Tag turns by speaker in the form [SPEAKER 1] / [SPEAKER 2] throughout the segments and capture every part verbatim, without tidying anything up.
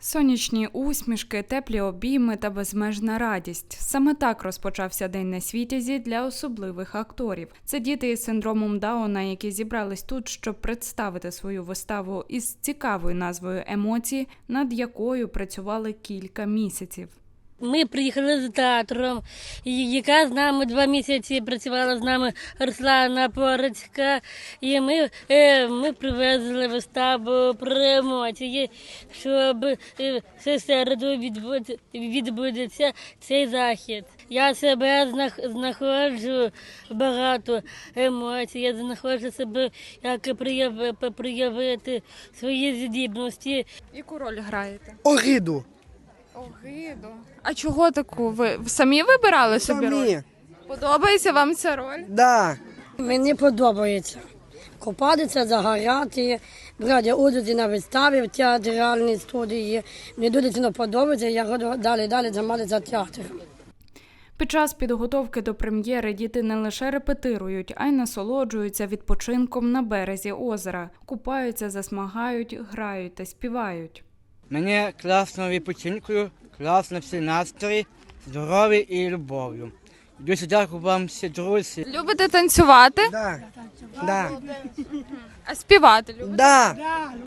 [SPEAKER 1] Сонячні усмішки, теплі обійми та безмежна радість. Саме так розпочався День Несвітязі для особливих акторів. Це діти із синдромом Дауна, які зібрались тут, щоб представити свою виставу із цікавою назвою «Емоції», над якою працювали кілька місяців.
[SPEAKER 2] Ми приїхали з театром, яка з нами два місяці працювала з нами Руслана Порицька. І ми, ми привезли виставу про емоції, щоб в середу відбудеться цей захід. Я себе знаходжу багато емоцій, я знаходжу себе, як проявити свої здібності.
[SPEAKER 1] Яку роль граєте?
[SPEAKER 3] Огиду.
[SPEAKER 1] Огиду. А чого таку? Ви самі вибирали собі роль?
[SPEAKER 3] Самі.
[SPEAKER 1] Подобається вам ця роль?
[SPEAKER 3] Да.
[SPEAKER 4] Мені подобається купатися, загоряти, брати участь на виставі в театральній студії. Мені дуже сильно подобається, я буду далі-далі займатися театром.
[SPEAKER 1] Під час підготовки до прем'єри діти не лише репетирують, а й насолоджуються відпочинком на березі озера. Купаються, засмагають, грають та співають.
[SPEAKER 5] Мені класно відпочинкою, класно всі настрої, здоров'я і любов'ю. Дуже дякую вам всі друзі.
[SPEAKER 1] Любите танцювати?
[SPEAKER 3] Да. Да.
[SPEAKER 1] А співати любите?
[SPEAKER 3] Да.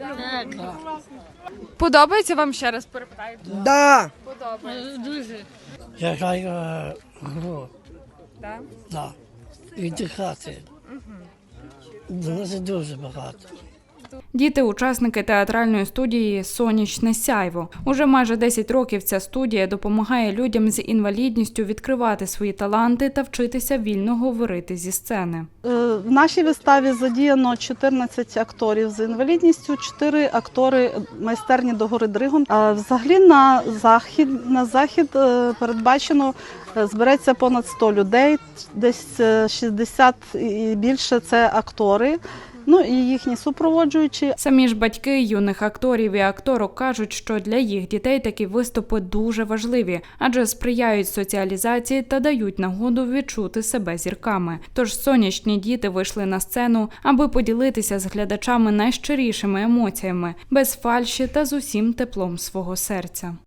[SPEAKER 1] Подобається вам, ще раз перепитаю?
[SPEAKER 3] Да.
[SPEAKER 1] Подобається.
[SPEAKER 2] Дуже.
[SPEAKER 6] Я граю е, гру.
[SPEAKER 1] Так?
[SPEAKER 6] Да. Віддихати. Дуже дуже багато.
[SPEAKER 1] Діти – учасники театральної студії «Сонячне сяйво». Уже майже десять років ця студія допомагає людям з інвалідністю відкривати свої таланти та вчитися вільно говорити зі сцени.
[SPEAKER 7] В нашій виставі задіяно чотирнадцять акторів з інвалідністю, чотири актори майстерні догори Дригом. А взагалі на захід, на захід передбачено збереться понад сто людей, десь шістдесят і більше – це актори. Ну і їхні супроводжуючі.
[SPEAKER 1] Самі ж батьки юних акторів і акторок кажуть, що для їх дітей такі виступи дуже важливі, адже сприяють соціалізації та дають нагоду відчути себе зірками. Тож сонячні діти вийшли на сцену, аби поділитися з глядачами найщирішими емоціями, без фальші та з усім теплом свого серця.